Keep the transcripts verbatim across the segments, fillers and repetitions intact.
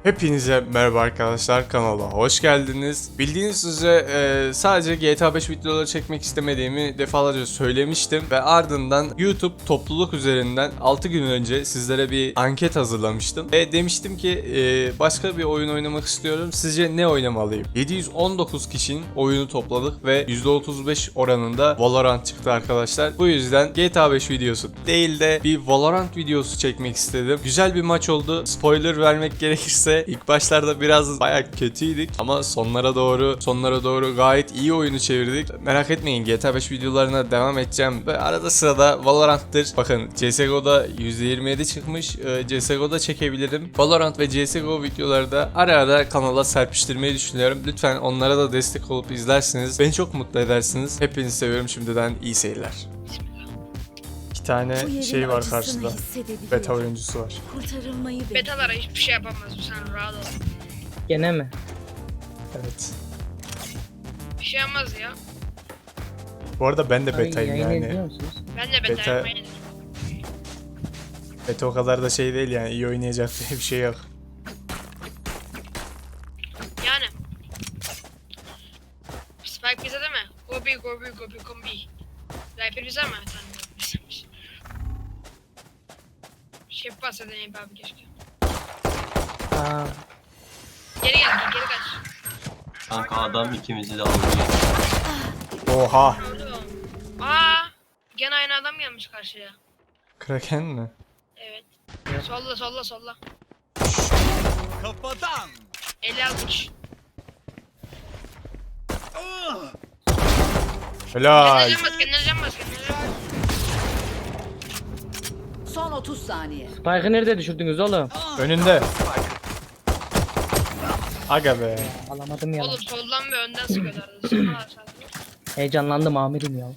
Hepinize merhaba arkadaşlar, kanala hoş geldiniz. Bildiğiniz üzere e, sadece G T A beş videoları çekmek istemediğimi defalarca söylemiştim ve ardından YouTube topluluk üzerinden altı gün önce sizlere bir anket hazırlamıştım ve demiştim ki e, başka bir oyun oynamak istiyorum, sizce ne oynamalıyım? yedi yüz on dokuz kişinin oyunu topladık ve yüzde otuz beş oranında Valorant çıktı arkadaşlar. Bu yüzden G T A beş videosu değil de bir Valorant videosu çekmek istedim. Güzel bir maç oldu. Spoiler vermek gerekirse İlk başlarda biraz bayağı kötüydük ama sonlara doğru sonlara doğru gayet iyi oyunu çevirdik. Merak etmeyin, G T A beş videolarına devam edeceğim ve arada sırada Valorant'tır. Bakın C S G O'da yüzde yirmi yedi çıkmış. C S G O'da çekebilirim. Valorant ve C S G O videoları da ara ara kanala serpiştirmeyi düşünüyorum. Lütfen onlara da destek olup izlersiniz. Beni çok mutlu edersiniz. Hepinizi seviyorum. Şimdiden iyi seyirler. İki tane şey var karşıda. Beta oyuncusu var. Kurtarılmayı Betalara hiçbir şey yapamaz, sen rahat ol. Gene mi? Evet. Bir şey yapmaz ya. Bu arada ben de Ay, betayım yayın yani. izliyor musunuz? Ben de beta, Beta- yapmayı Beta o kadar da şey değil yani, iyi oynayacak diye bir şey yok. Yani. Spike bize değil mi? Gobi gobi gobi kombi. Viper bize mi? Tamam, bizeymiş. Şey bahsedeyim abi keşke. Aa, Geri gel, geri kaç. Kanka adam ikimizi de aldı. Oha! Oğlum. Aa, gene aynı adam gelmiş karşıya. Kraken mi? Evet. Solla solla solla. Kafadan. elli altmış. Helal! Kendine bas, kendine can bas, kendine can bas. Son otuz saniye. Spike'ı nerede düşürdünüz oğlum? Önünde. Aga be. Alamadım ya. Oğlum soldan ve önden sıkıyorlardı. Sıkıyorlar sadece. Heyecanlandım amirim ya.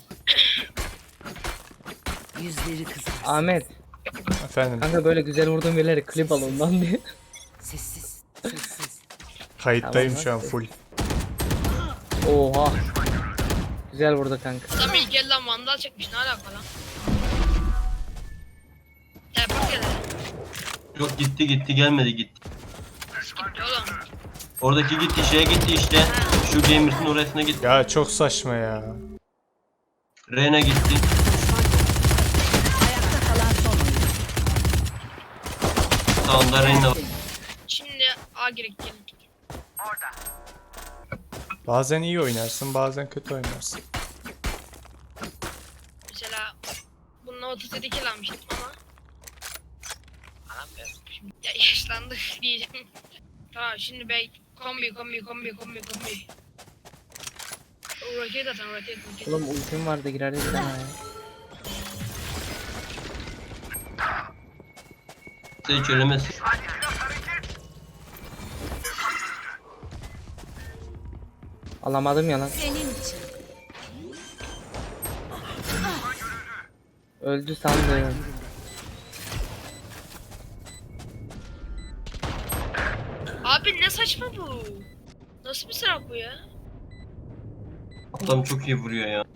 Yüzleri kızar. Ahmet, Efendim, kanka böyle güzel vurduğum yerleri klip al ondan diye. Sessiz. Sessiz. kayıttayım Tamam, şu an nasıl? full. Oha. Güzel vurdu kanka. Adam ilk elden vandal çekmiş, ne alaka lan? Teleport geldi. Yok gitti gitti gelmedi gitti. Gitti oğlum. Oradaki gitti şeye gitti işte. Şu Gamers'ın orasına gitti. Ya çok saçma ya. Reyna gitti. Ayakta kalan son oyuncu. Sağında Reyna var. Şimdi A gerek gelin. Bazen iyi oynarsın, bazen kötü oynarsın. Mesela bununla otuz yedi kill almıştım ama alamıyorum şimdi. Ya yaşlandık diyeceğim. Tamam şimdi bey kombi kombi kombi kombi kombi. Roket atan roket roket. Oğlum ultim vardı girerdi bir tane ya. Sen hiç ölemezsin. Alamadım ya lan. Senin için. Öldü sandım. Abi ne saçma bu? Nasıl bir silah bu ya? Adam çok iyi vuruyor ya.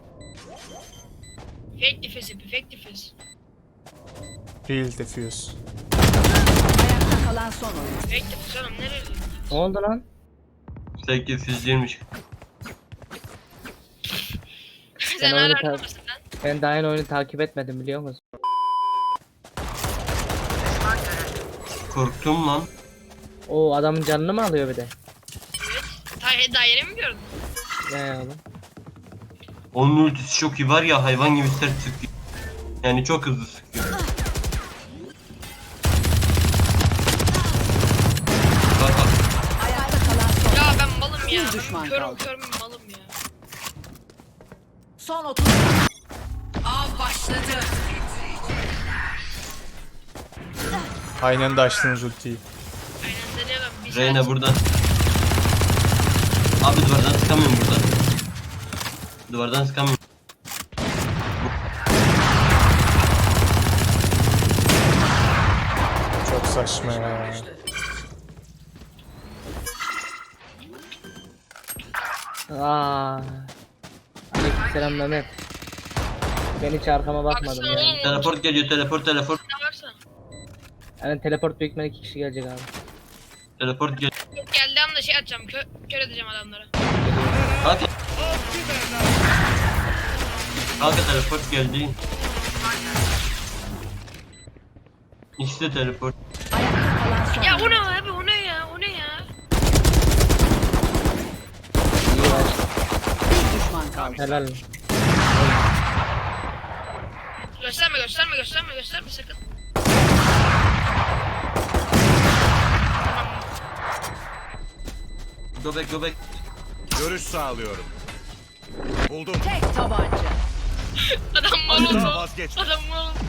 Fake defense yapıyor, fake defense. Real defuse. Ayakta kalan son oyuncu. Fake defense oğlum nereye? Ne oldu lan? Sevgi füzleymiş. Sen oyunu hala ta- arkamasın lan. Ben daha yeni oyunu takip etmedim biliyor musun? Korktum lan. O adamın canını mı alıyor bir de? Evet. Daha, daha yeni mi gördün? Ne oğlum? Onun ultisi çok iyi var ya, hayvan gibi sert sıkıyor. Yani çok hızlı sıkıyor. Bak bak. Ayakta kalan son. Ya ben malım ya. Bir düşman Körüm kaldı. körüm malım ya. Son otuz. Av başladı. Aynen de açtınız ultiyi. Aynen deniyorum. Bir Reyna saat- burada. Abi duvardan sıkamıyorum burada. Duvardan sıkamıyorum. Çok saçma ya. Aa. Aleykümselam Mehmet. Ben hiç arkama bakmadım Baksana yani. oğlum. Teleport geliyor, teleport teleport. Ne varsa. Yani teleport büyük ihtimalle iki kişi gelecek abi. Teleport gel. Geldiği anda şey atacağım. Kö kör edeceğim adamları. Kanka. Kanka teleport geldi. İşte teleport. Ayakta kalan son Ya oyuncu. o ne abi o ne ya o ne ya. İyi var. Bir düşman kaldı. Helal. Gösterme gösterme gösterme gösterme sakın. Tamam. Go back go back. Görüş sağlıyorum. Buldum. Tek tabanca. Adam mal Asla oldu. vazgeçme. Adam mal oldu.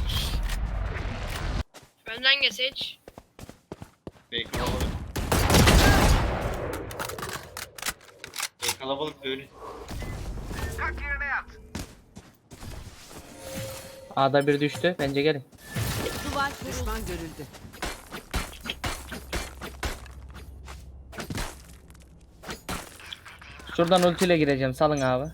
Önden geç hiç. Bey kalabalık. Bey kalabalık böyle. A'da bir düştü. Bence gelin. Duvar düşman görüldü. Şuradan ultiyle gireceğim. Salın abi.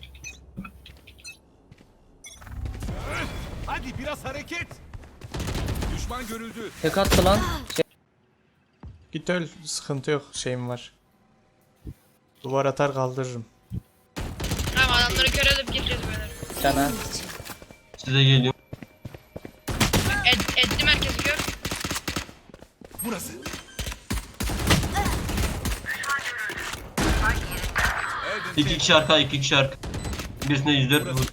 Hadi biraz hareket. Düşman görüldü. Tek attı lan. Şey, Git öl, sıkıntı yok, şeyim var. Duvar atar kaldırırım. Tamam adamları kör edip gireceğiz böyle. cana. Size geliyorum. Et, ettim herkesi kör. Burası. İki kişi arka, iki kişi arka. Birisine yüz dört vur.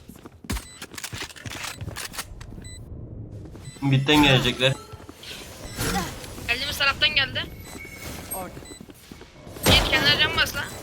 Bitten gelecekler. Geldiğimiz taraftan geldi. Orada. Yiğit kenara cam bas lan.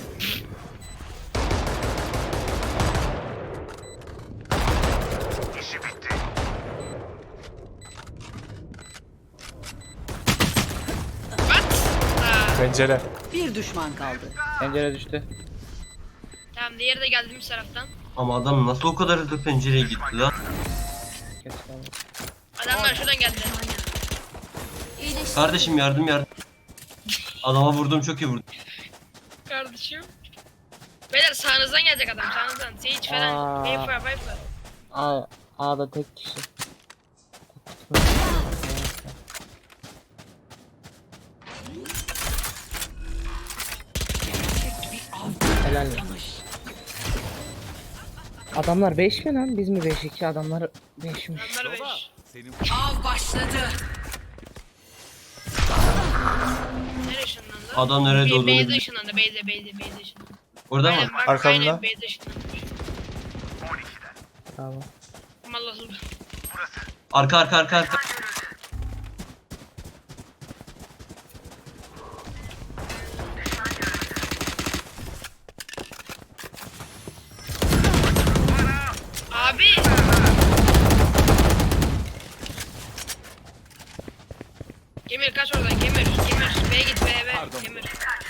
What? Aa, Pencere. Bir düşman kaldı. Pencere düştü. tamam diğeri de geldiğimiz taraftan. Ama adam nasıl o kadar hızlı pencereye gitti lan? Kes abi. Adamlar şuradan geldi. Kardeşim yardım yardım. Adama vurdum, çok iyi vurdum. Kardeşim. Beyler sağınızdan gelecek adam sağınızdan. Sage falan. Aa. Viper Viper. A, A'da tek kişi. Helal. Adamlar beş mi lan? Biz mi beş iki? Adamlar beşmiş. Adamlar Baba. beş. Senin Av başladı. Nereye ışınlandı? Adam nerede Bir olduğunu Beyze bilmiyor. ışınlandı. Beyze Beyze Beyze ışınlandı. Orada mı? Aynen bak Arkamda. aynen Beyze ışınlandı. Tamam. Aman Allah'ım. Arka arka arka arka. Abi. Gemir kaç oradan Gemir. Gemir. B'ye git B'ye B. Pardon. Gemir.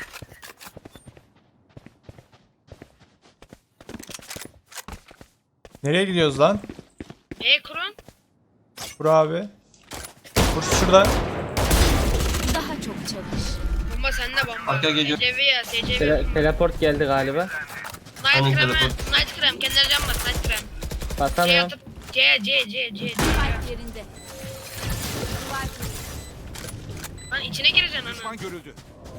Nereye gidiyoruz lan? E kurun. Vur abi. Vur şuradan. Daha çok çalış. Bomba sende bomba. Arka geliyor. T C V ya T C V. Tele- teleport geldi galiba. Night Hangi krem. telefon? Night krem. Kendine can bas. Night krem. C Basamıyorum. atıp C C C C C. Yerinde. Lan içine gireceksin ana. düşman görüldü.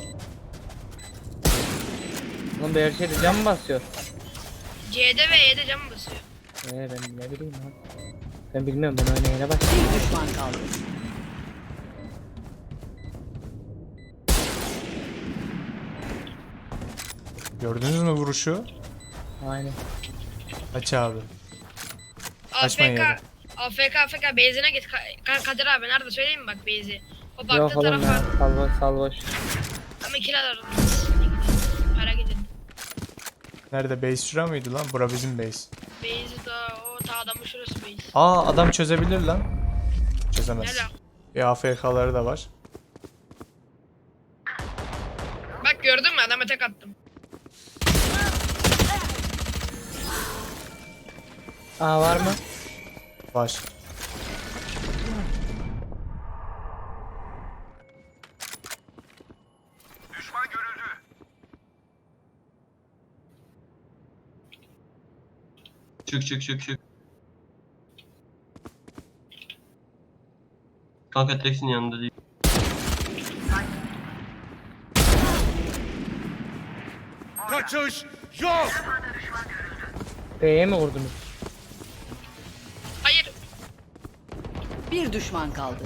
Oğlum bir her şeyde cam mı basıyor? C'de ve E'de can basıyor. Ee ben ne bileyim lan. Ben bilmiyorum, ben oynayana bak. Bir düşman kaldı. Gördünüz mü vuruşu? Aynen. Aç abi. A Kaçma F K. yere. A F K A F K base'ine git. Ka- Ka- Kadir abi nerede söyleyeyim mi bak base'i. O baktığı Yok oğlum tarafa. ya. Salvo salvoş. Ama kiralar. Para gidin. Nerede? Base şura mıydı lan? Bura bizim base. Base'i da o ta adamın şurası base. Aa adam çözebilir lan. Çözemez. Helal. Bir A F K'ları da var. Bak gördün mü adama tek attım. Aa var mı? Var. Çık çık çık çık. Kanka teksin yanında değil. Kaçış yok. B'ye mi vurdunuz? Hayır. Bir düşman kaldı.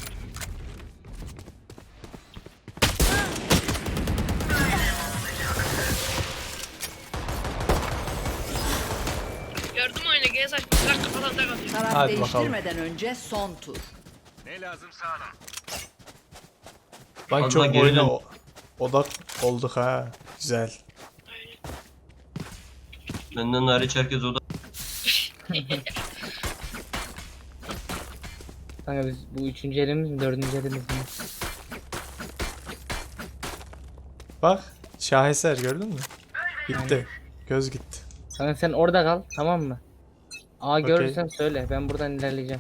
Gördüm oyunu. Gene saçma. Bırak kafadan tek atıyor. Taraf Hadi bakalım. değiştirmeden önce son tur. Ne lazımsa alın. Lan Allah çok gerilim. oyuna o- odak olduk ha. Güzel. Aynen. Benden hariç herkes oda. Kanka biz bu üçüncü elimiz mi dördüncü elimiz mi? Bak şaheser gördün mü? Gitti. Göz gitti. Kanka sen orada kal, tamam mı? A Okey. görürsen söyle, ben buradan ilerleyeceğim.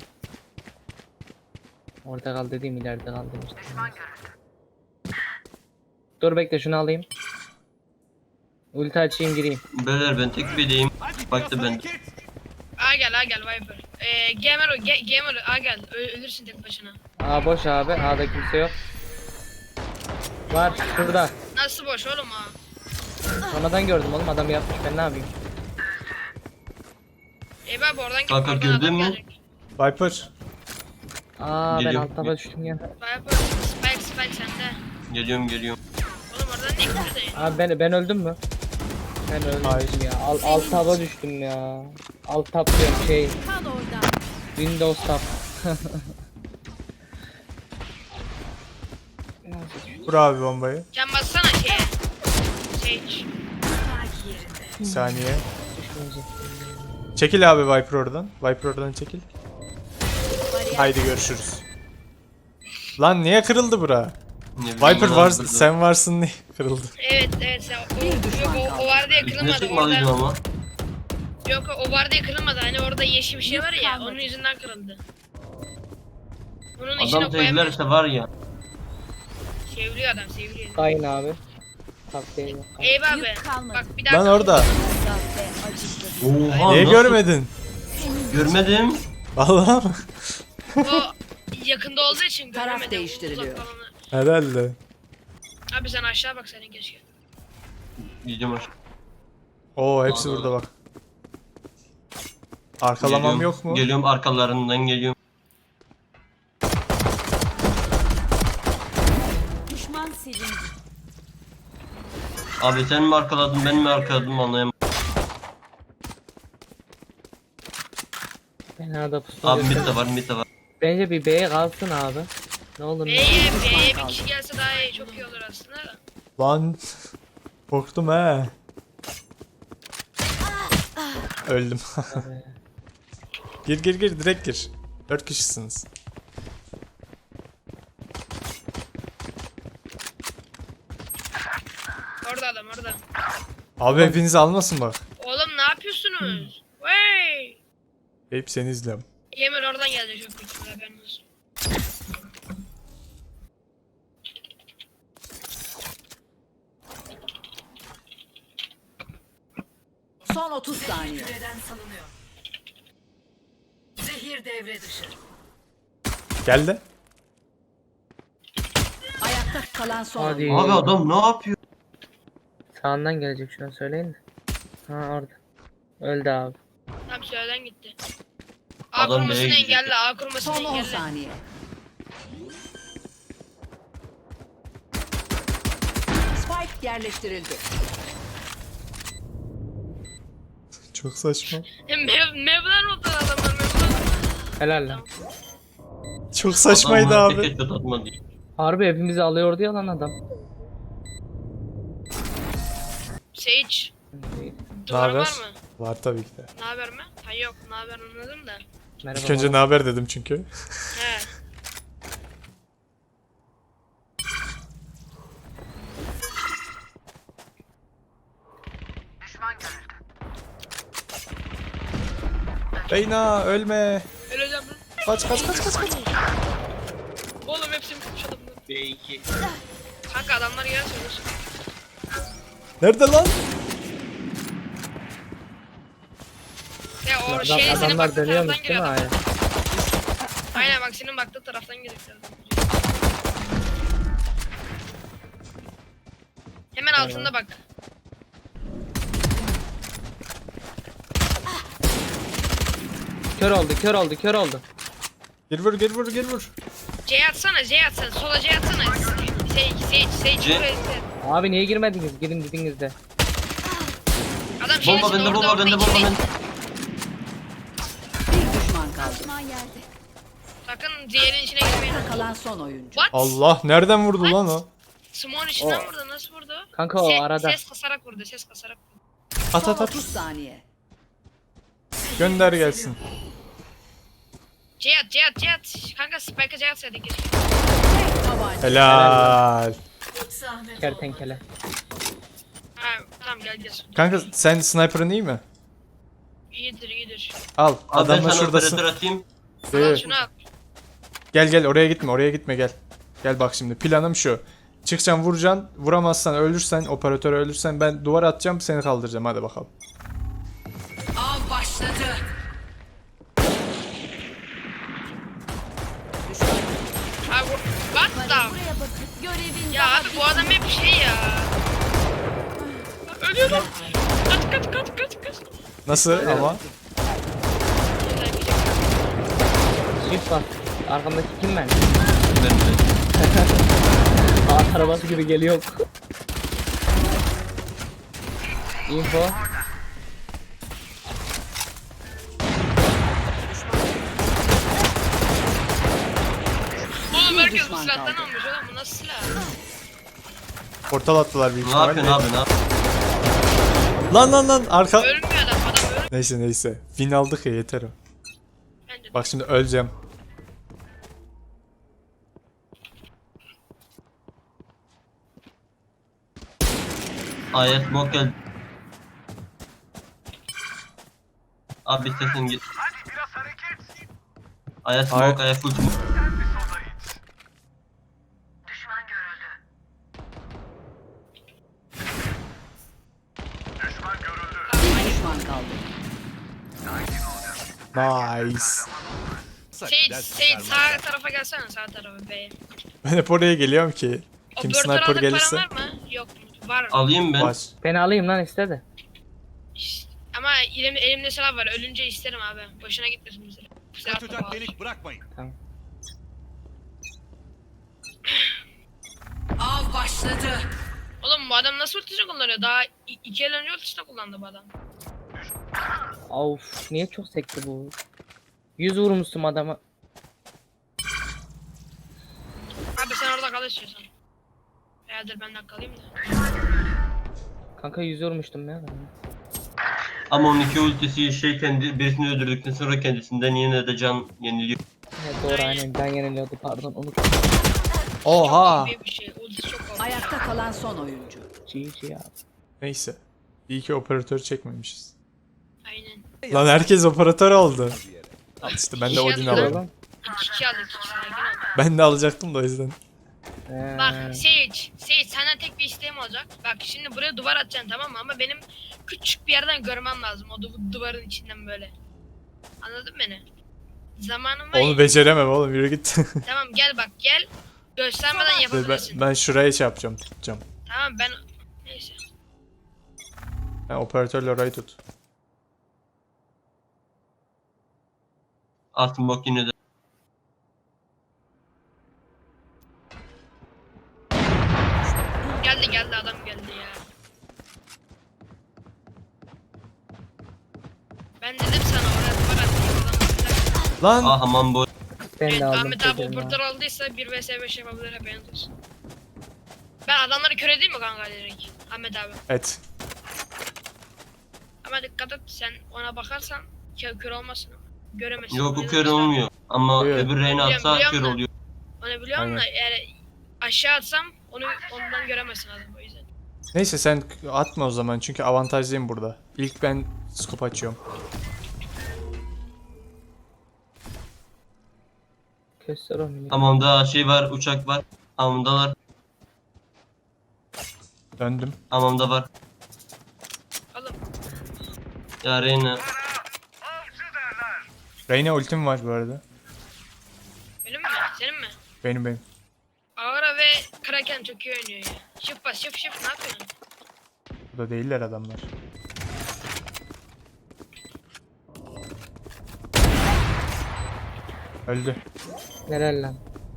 Orada kal dediğim ileride kal demiştim. Dur bekle şunu alayım. Ulti açayım gireyim. Beyler ben tek bireyim. Hadi Baktı biraz ben. hareket. A gel A gel Viper. Ee, gamer o. Ge gamer A gel. Ö ölürsün tek başına. A boş abi, A'da kimse yok. Var şurada. Nasıl boş oğlum ha? Sonradan gördüm oğlum, adam yapmış, ben ne yapayım? Ey abi oradan git. Kanka, oradan gördün adam mü? gelecek. Viper. Aa ben Geliyorum. alt taba düştüm ya. Viper. Spike Spike sende. Geliyorum geliyorum. Oğlum oradan ne gidiyorsun? Abi ben ben öldüm mü? Ben öldüm Hayır. ya. Al, alt taba düştüm ya. Alt tab diyorum şey. Kal orada. Windows tab. Vur abi bombayı. Can bassana şeye. Sage. Bir saniye. Düşmeyecek. Çekil abi Viper oradan. Viper oradan çekil. Haydi görüşürüz. Lan niye kırıldı bura? Ne bileyim, Viper ben var, aldırdım. sen varsın diye kırıldı. Evet evet sen o, Bir yok, düşman o, kaldı. o vardı ya Üstüne kırılmadı çıkmalıydım orada. ama. Yok o vardı ya kırılmadı. Hani orada yeşil bir şey var ya kalmadı. onun yüzünden kırıldı. Bunun içine Adam koyamıyor. sevgilerse var ya. Seviliyor adam seviliyor. Kayın abi. Tab değil. Eyvah abi. Yük kalmadı. Bak bir daha. Lan orada. Azap ve acısı. Oha Niye nasıl- görmedin? Görmedim. Vallahi mı? O yakında olduğu için Taraf göremedim. değiştiriliyor. Uzak falanı. Herhalde. Abi sen aşağı bak senin keşke. Gideceğim aşağı. Oo hepsi Aa. burada bak. Arkalamam Geliyorum, yok mu? Geliyorum arkalarından geliyorum. Düşman silindi. Abi sen mi arkaladın ben mi arkaladım anlayamadım. Ben arada pusu Abi mid götürürüm. de var mid de var. Bence bir B'ye kalsın abi. Ne olur ne. B'ye B'ye bir kişi gelse daha iyi çok iyi olur aslında da. Lan. Korktum he. Öldüm. Gir gir gir direkt gir. Dört kişisiniz. Orada adam orada. Abi hepinizi almasın bak. Oğlum ne yapıyorsunuz? Wey! Hep seni izliyorum. Gamer oradan geldi çok büyük ihtimalle haberin olsun. Son otuz saniye. Gel de. Ayakta kalan son. Hadi. oyuncu. Abi adam ne yapıyor? Sağından gelecek şuna söyleyin de. Ha orada. Öldü abi. Tam süreden gitti. A Adam kurmasını B'ye gidecek. engelle, A kurmasını Son on engelle. saniye. Spike yerleştirildi. Çok saçma. Mev, mevler oldu adamlar mevler. Helal lan. Çok saçmaydı Adam abi. tek headshot atmadı. Harbi hepimizi alıyordu ya lan adam. Sage. Ne Duvarı var haber? mı? Var tabii ki de. Ne haber mi? Ha yok ne haber anladım da. Merhaba. İlk önce ne haber dedim çünkü. He. Reyna ölme. Öleceğim lan. Kaç kaç kaç kaç kaç. Oğlum hepsini tutmuş adamlar. B iki. Kanka adamlar gelse ölürsün. Nerede lan? Ya o Adam, şey senin adamlar baktığı dönüyormuş taraftan değil mi giriyor. aya? Aynen bak senin baktığı taraftan girecekler. Hemen altında bak. Kör oldu, kör oldu, kör oldu. Gir vur gir vur gir vur. C atsana, C atsana. Sola C atsana. Sage, Sage, Sage. C. buraya- Abi niye girmediniz? Girin dediniz de. Adam şeyin Bomba içinde, bende, orada, bomba orada, bende, içeri. bomba bende. Bir düşman kaldı. Sakın diğerinin içine girmeyin. Ayakta kalan son oyuncu. What? Allah nereden vurdu lan o? Smoke'un içinden O- vurdu. Nasıl vurdu? Kanka o Se- arada. Ses kasarak vurdu, ses kasarak vurdu. At Son at at. otuz saniye. Gönder gelsin. C at, C at, C at. Kanka Spike'a C atsaydık keşke. Tabanca. Helal. Kertenkele. Ha, tamam gel gel. Kanka sen sniper'ın iyi mi? İyidir, iyidir. Al Abi ben adamla sana şuradasın. operatör atayım. Al Ee, şunu al. Gel gel oraya gitme oraya gitme gel. Gel bak şimdi planım şu. Çıkacaksın vuracaksın. Vuramazsan ölürsen operatöre ölürsen ben duvar atacağım seni kaldıracağım hadi bakalım. Av başladı. Abi bu- what the? Ya abi bu adam hep şey ya. Ölüyorum. Kaç kaç kaç kaç kaç. Nasıl ama? Shift bas. Arkamdaki kim ben? Ben de. At arabası gibi geliyor. Info. Oğlum herkes bu düşman silahtan kaldı. almış oğlum bu nasıl silah? Portal attılar büyük Ne yapıyorsun ihtimalle. abi ne yapıyorsun? Lan lan lan arka. Ölmüyor adam adam ölmüyor. Neyse neyse. Win aldık ya yeter o. Bence de. Bak şimdi öleceğim. Ayet smoke geldi. Abi istersen git. Ayet smoke, Ayet- ayet full smoke. Bir düşman kaldı. Nice. Sage, Sage sağ tarafa gelsene sağ tarafa B'ye. Ben hep oraya geliyorum ki. Kim Operatör sniper aldık gelirse. paran var mı? Yok mu? Var. Alayım ben. Var. Beni alayım lan istedi. Ama elim, elimde silah var. Ölünce isterim abi. Boşuna gitmesin bize. Silah Kaçacak da delik bırakmayın. Av başladı. Oğlum bu adam nasıl ultisini kullanıyor? Daha i- iki el önce ultisini kullandı bu adam. Of niye çok sekti bu? Yüz vurmuştum adama. Abi sen orada kal istiyorsan. Eğerdir ben de kalayım da. Kanka yüz vurmuştum ya. Ama on iki ultisi şey kendi birisini öldürdükten sonra kendisinden yine de can yeniliyor. Evet doğru aynen ben yeniliyordu pardon unut. Oha. Büyük bir şey. Ultisi çok korkunç. Ayakta kalan son oyuncu. G G abi. Neyse. İyi ki operatör çekmemişiz. Aynen. Lan herkes operatör oldu. Al işte ben de Odin alıyorum. Oğlum. İki kişi aldık. iki sakin ol. Ben de alacaktım da o yüzden. Ee, Bak Sage, Sage senden tek bir isteğim olacak. Bak şimdi buraya duvar atacaksın tamam mı? Ama benim küçük bir yerden görmem lazım o du- duvarın içinden böyle. Anladın beni? Zamanım var ya. Onu beceremem oğlum yürü git. Tamam gel bak gel. Göstermeden ben, yapabilirsin. ben şuraya şey yapacağım tutacağım. Tamam ben... Neyse. Ben operatörle orayı tut. At smoke yine de. Geldi geldi adam geldi ya. Ben dedim sana oraya duvar atayım. Lan Ah aman bu. ben Evet de aldım. Ahmet abi dedim operatör aldıysa bir vs beş yapabilir haberiniz olsun. Ben adamları kör edeyim mi kanka direkt? Ahmet abi. et. Ama dikkat et sen ona bakarsan kör, kör olmasın. Göremezsin. Yok o yüzden kör işte- olmuyor. Ama Evet. öbür reyna atsa Biliyorum, kör biliyorum da. oluyor. Onu biliyorum Aynen. da eğer aşağı atsam onu ondan göremezsin adam o yüzden. Neyse sen atma o zaman çünkü avantajlıyım burada. İlk ben scope açıyorum. Göster o minik. Tamam da şey var, uçak var. Hamamdalar. Döndüm. Hamamda var. Oğlum Ya reyna. Reyna ultim var bu arada. benim mi? Senin mi? Benim benim. Aura ve Kraken çok iyi oynuyor ya. Shift bas shift shift ne yapıyorsun? Burada değiller adamlar. Öldü. Helal lan.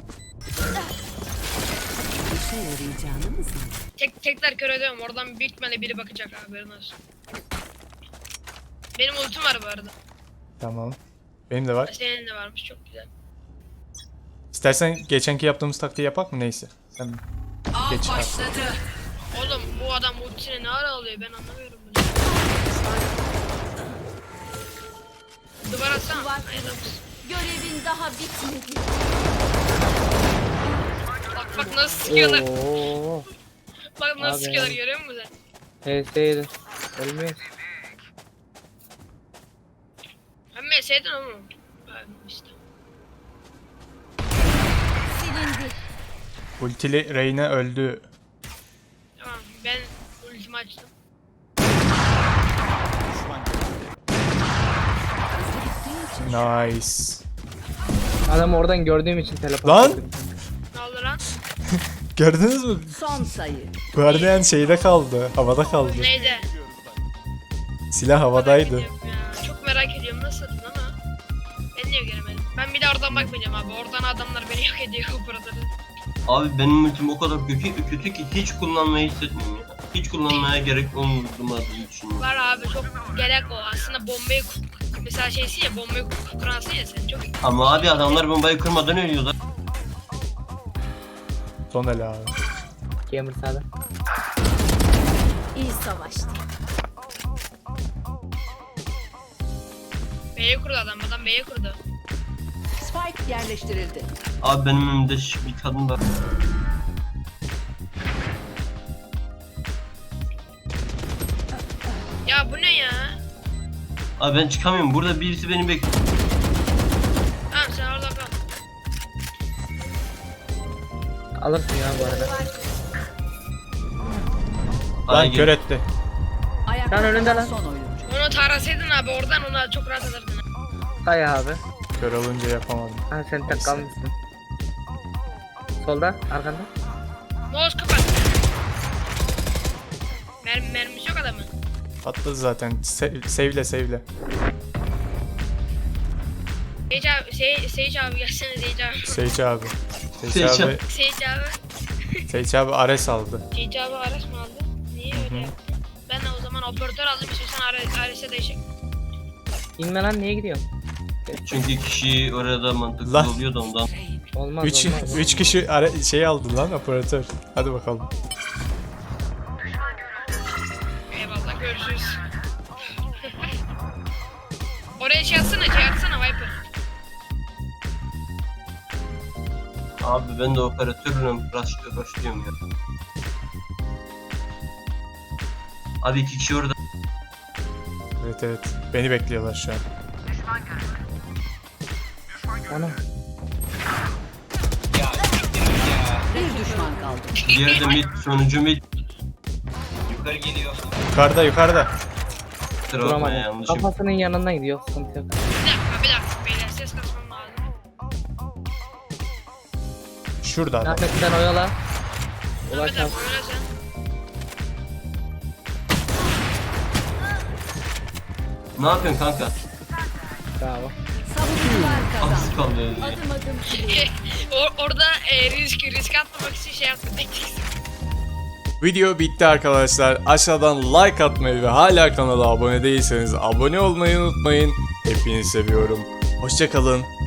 İşe yarayacağını mı sandın? Tek tekrar kör ediyorum. Oradan büyük ihtimalle biri bakacak abi, haberin olsun. Benim ultim var bu arada. Tamam. Benim de var. Senin de varmış, çok güzel. İstersen geçenki yaptığımız taktiği yapak mı? Neyse. Sen Av Geç abi. başladı. Oğlum bu adam ultisini ne ara alıyor, ben anlamıyorum bunu. Duvar atsana. Duvar Hayır, kırıldı. olsun. Görevin daha bitmedi. Bak bak nasıl sıkıyorlar. Oo. Bak nasıl Abi. sıkıyorlar, görüyor musun sen? H S'ydi. Ölmüyor. Ben meseydin oğlum. Ben işte. Silindi. ultili Reyna öldü. Tamam, ben ultimi açtım. Nice. Adamı oradan gördüğüm için teleport Lan! ettim. Ne oldu lan? Gördünüz mü? Son sayı. Guardian şeyde kaldı. Havada kaldı. Neydi? Silah havadaydı. Merak ediyorum ya. Çok merak ediyorum nasıl atın ama. Ben niye göremedim? Ben bir de oradan bakmayacağım abi. Oradan adamlar beni yok ediyor operatörü. Abi benim ultim o kadar kötü, kötü ki hiç kullanmayı hissetmiyorum ya. Hiç kullanmaya gerek olmadığını düşünüyorum. Var abi, çok gerek o. Aslında bombayı ku- mesela şeysi ya, bombayı ku- kuransın ya sen, çok Ama abi adamlar bombayı kırmadan ölüyorlar. Son el abi. Gamer sağda. İyi savaştı. B'ye kurdu adam, adam B'ye kurdu. Spike yerleştirildi. Abi benim önümde şu bir kadın var. Ya bu ne ya? Abi ben çıkamıyorum. Burada birisi beni bekliyor. Tamam sen orada kal. Alırsın ya bu arada. A'ya Lan gel. kör etti. Ayakta Lan önünde kalan lan. son oyuncu. Onu tarasaydın abi oradan, ona çok rahat alırdın. Kay abi. Kör olunca yapamadım. Ha sen tek kalmışsın. Solda arkanda. Mouse kapat. Mermi, mermisi yok adamın. Patladı zaten. Se- sevle sevle. Seyit abi, Sey, Seyit abi gelsene Seyit abi. Seyç abi. Seyç Seyç abi. Seyit abi. Seyç abi Ares aldı. Seyit abi Ares mı aldı? Niye öyle yaptı? Ben de o zaman operatör aldım, istiyorsan Ares, Ares'e değişik. İnme lan, niye gidiyorsun? Çünkü kişi orada mantıklı Lan. oluyor da ondan. Olmaz üç olmaz. üç kişi ara- şey aldı lan operatör. Hadi bakalım. Eyvallah, görüşürüz. Oraya şey atsana, şey atsana Viper. Abi ben de operatörle rush- rushlıyorum ya. Abi iki kişi orada. Evet evet. Beni bekliyorlar şu an. Ana. Bir düşman kaldı. Diğeri de mid, sonuncu mid. Yukarı geliyor. Yukarıda yukarıda. Kusura bakma Duramadım. yanlışım. Kafasının yanından gidiyor. Sıkıntı yok. Bir dakika, bir dakika beyler, ses kasmam lazım. Şurada adam. Ahmet sen oyala. Dur Ulaş bir al. dakika, öyle sen. Ne yapıyorsun kanka? Bravo. Savunucular kazandı. Az kaldı. Adım adım Or- orada e, risk, risk atmamak için şey yaptım. Video bitti arkadaşlar. Aşağıdan like atmayı ve hala kanala abone değilseniz abone olmayı unutmayın. Hepinizi seviyorum. Hoşça kalın.